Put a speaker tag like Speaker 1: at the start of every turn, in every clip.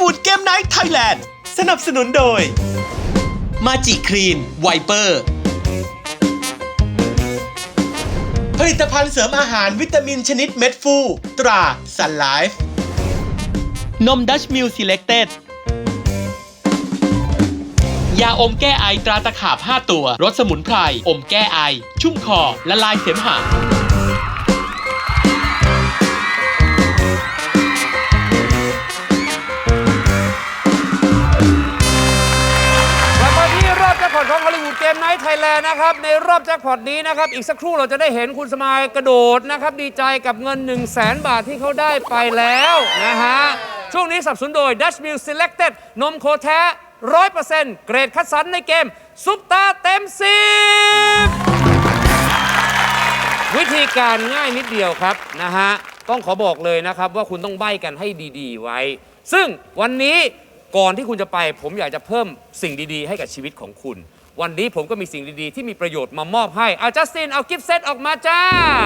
Speaker 1: วูดเกมไนท์ไทยแลนด์สนับสนุนโดยมาจิคลีนไวเปอร์ผลิตภัณฑ์เสริมอาหารวิตามินชนิดเม็ดฟูตราซันไลฟ์นมดัชมิลซีเล็กเต็ดยาอมแก้ไอตราตะขาบ5ตัวรสสมุนไพรอมแก้ไอชุ่มคอละลายเสมหะ
Speaker 2: แจ็คพอตของฮอลลีวูดเกมไนท์ไทยแลนด์นะครับในรอบแจ็คพอตนี้นะครับอีกสักครู่เราจะได้เห็นคุณสมายกระโดดนะครับดีใจกับเงิน 100,000 บาทที่เขาได้ไปแล้วนะฮะช่วงนี้สนับสนุนโดย Dutch Mill Selected นมโคแท้ 100% เกรดคัดสรรในเกมซุปตาเต็ม10วิธีการง่ายนิดเดียวครับนะฮะต้องขอบอกเลยนะครับว่าคุณต้องใบ้กันให้ดีๆไว้ซึ่งวันนี้ก่อนที่คุณจะไปผมอยากจะเพิ่มสิ่งดีๆให้กับชีวิตของคุณวันนี้ผมก็มีสิ่งดีๆที่มีประโยชน์มามอบให้จัสตินเอากิฟต์เซตออกมาจ้า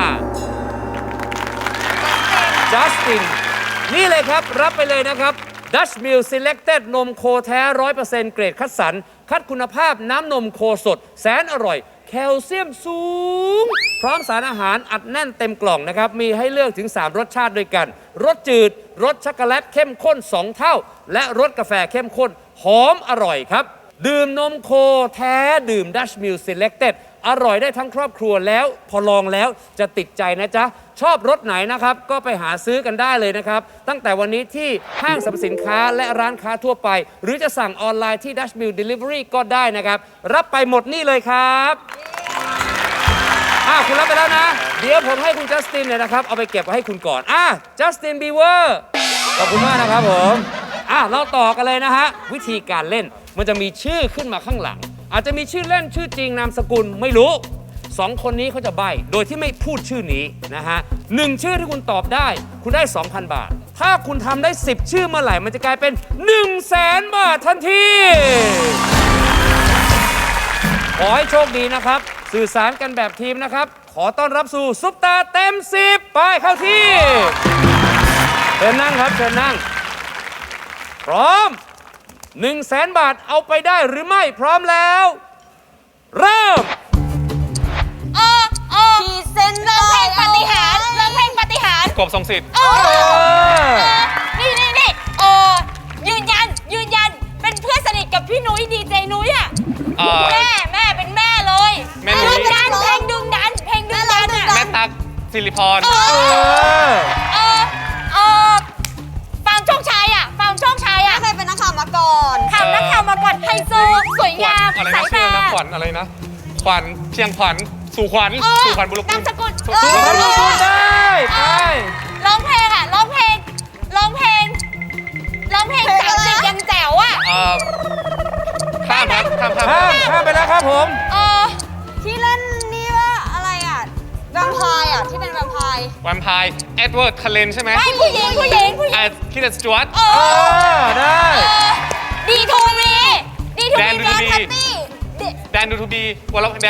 Speaker 2: จัสตินนี่เลยครับรับไปเลยนะครับ Dutch Mill Selected นมโคแท้ 100% เกรดคัดสรรคัดคุณภาพน้ำนมโคสดแสนอร่อยแคลเซียมสูงพร้อมสารอาหารอัดแน่นเต็มกล่องนะครับมีให้เลือกถึง3รสชาติด้วยกันรสจืดรสช็อกโกแลตเข้มข้น2เท่าและรสกาแฟเข้มข้นหอมอร่อยครับดื่มนมโคแท้ดื่ม Dutch Mill Selected อร่อยได้ทั้งครอบครัวแล้วพอลองแล้วจะติดใจนะจ๊ะชอบรสไหนนะครับก็ไปหาซื้อกันได้เลยนะครับตั้งแต่วันนี้ที่ห้างสรรพสินค้าและร้านค้าทั่วไปหรือจะสั่งออนไลน์ที่ Dutch Mill Delivery ก็ได้นะครับรับไปหมดนี่เลยครับคุณรับไปแล้วนะเดี๋ยวผมให้คุณจัสตินเนี่ยนะครับเอาไปเก็บไว้ให้คุณก่อนจัสตินบีเวอร์ขอบคุณมากนะครับผมเราต่อกันเลยนะฮะวิธีการเล่นมันจะมีชื่อขึ้นมาข้างหลังอาจจะมีชื่อเล่นชื่อจริงนามสกุลไม่รู้2คนนี้เขาจะใบ้โดยที่ไม่พูดชื่อนี้นะฮะ1ชื่อที่คุณตอบได้คุณได้ 2,000 บาทถ้าคุณทำได้10ชื่อเมื่อไหร่มันจะกลายเป็น 100,000 บาททันทีขอให้โชคดีนะครับสื่อสารกันแบบทีมนะครับขอต้อนรับสู่ซุปตาเต็ม10ไปเข้าที่เชิญนั่งครับเชิญนั่งพร้อม 100,000 บาทเอาไปได้หรือไม่พร้อมแล้วเริ่ม
Speaker 3: ขีดเส้นร้องเพลงปาฏิหาริย์ร้องเพลงปาฏิหาริย์
Speaker 4: กบทรงสิทธิ์
Speaker 3: นี่ยืนยันเป็นเพื่อนสนิทกับพี่นุ้ยดีเจนุ้ยแม่เป็นแม่เลย
Speaker 4: แม่นุ้ย
Speaker 3: เพลงดึงดัน
Speaker 4: แม่ตั๊กสิริพร
Speaker 3: ฟังโชคชัยเคยเป็นนักข่าวมาก่อนนักข่าวมาก่อนไฮโซสวยงามสายตา
Speaker 4: ขวัญอะไรนะขวัญเชียงขวัญสู่ขวัญบุรุษ
Speaker 3: นามสกุล
Speaker 2: ได้ไป
Speaker 3: ร้องเพลง30ยังแจ๋ว
Speaker 4: ข้ามครับ
Speaker 2: ข้ามไปแล้วครับผม
Speaker 3: ที่เล่นนี่ว่าอะไรแวมไพร์ที่เป็นแวมไพร์
Speaker 4: เอ็ดเวิร์ดคาเลนใช่ไหม
Speaker 3: ไม่ผู้หญิง
Speaker 4: คิดสจวต
Speaker 2: ได้
Speaker 3: ดีทูบี
Speaker 4: แดนดูทูบีแดนวรเวท
Speaker 2: วรเว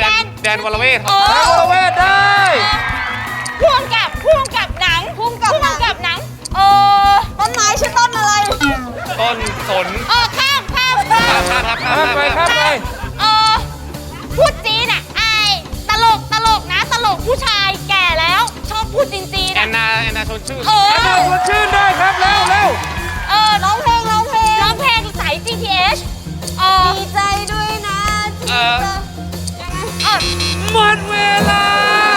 Speaker 2: ทได้
Speaker 3: พ่วงกับหนังต้นไม้ชื่อต้นอะไร
Speaker 4: ต้นสน
Speaker 3: ข้าม
Speaker 2: ไป
Speaker 3: พูดจีนตลกนะตลกผู้ชายแก่แล้วชอบพูดจีน
Speaker 4: แอนนาชนชื่น
Speaker 2: ชนชื่นได้ครับเร็ว
Speaker 3: ร้องเพลงสาย GTH ดีใจด้วยนะ
Speaker 2: หมดเวลา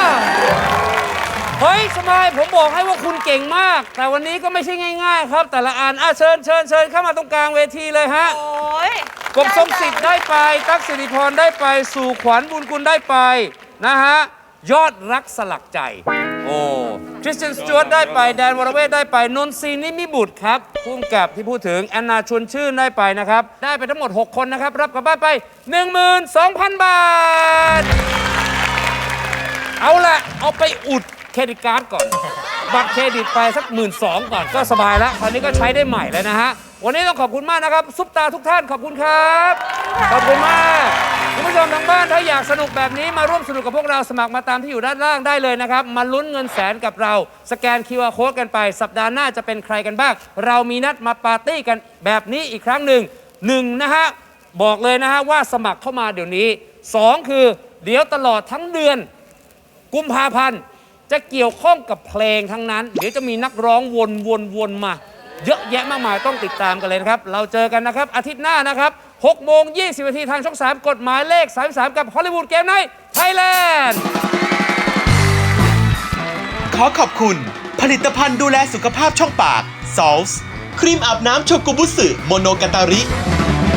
Speaker 2: เฮ้ยสมัยผมบอกให้ว่าคุณเก่งมากแต่วันนี้ก็ไม่ใช่ง่ายๆครับแต่ละอันเชิญเข้ามาตรงกลางเวทีเลยฮะกบทรงสิทธิ์ได้ไปตั๊กสิริพรได้ไปสู่ขวัญบุญกุลได้ไปนะฮะยอดรักสลักใจคริสเตียนสจวตได้ไปแดนวรเวทได้ไปนนทรีนิมิบุตรครับพุ่มกับที่พูดถึงแอนนาชวนชื่นได้ไปนะครับได้ไปทั้งหมด6คนนะครับรับกลับบ้านไป 12,000 บาทเอาละเอาไปอุดเครดิตการ์ดก่อน บัตรเครดิตไปสัก12,000ก่อนก็สบายแล้วคราวนี้ก็ใช้ได้ใหม่แล้วนะฮะวันนี้ต้องขอบคุณมากนะครับซุปตาทุกท่านขอบคุณครับขอบคุณมากคุณผู้ชมทางบ้านถ้าอยากสนุกแบบนี้มาร่วมสนุกกับพวกเราสมัครมาตามที่อยู่ด้านล่างได้เลยนะครับมาลุ้นเงินแสนกับเราสแกน QR Code กันไปสัปดาห์หน้าจะเป็นใครกันบ้างเรามีนัดมาปาร์ตี้กันแบบนี้อีกครั้งหนึ่งนะฮะบอกเลยนะฮะว่าสมัครเข้ามาเดี๋ยวนี้2คือเดี๋ยวตลอดทั้งเดือนกุมภาพันธ์จะเกี่ยวข้องกับเพลงทั้งนั้นเดี๋ยวจะมีนักร้องวนมาเยอะแยะมากมายต้องติดตามกันเลยนะครับเราเจอกันนะครับอาทิตย์หน้านะครับ6:20 น.ทางช่อง 3 กฎหมายเลข 33 กับฮอลลีวูดเกมไนท์ไทยแลนด์
Speaker 1: ขอขอบคุณ ผลิตภัณฑ์ดูแลสุขภาพช่องปาก Salts ครีมอาบน้ำโชกุบุสึโมโนกาตาริ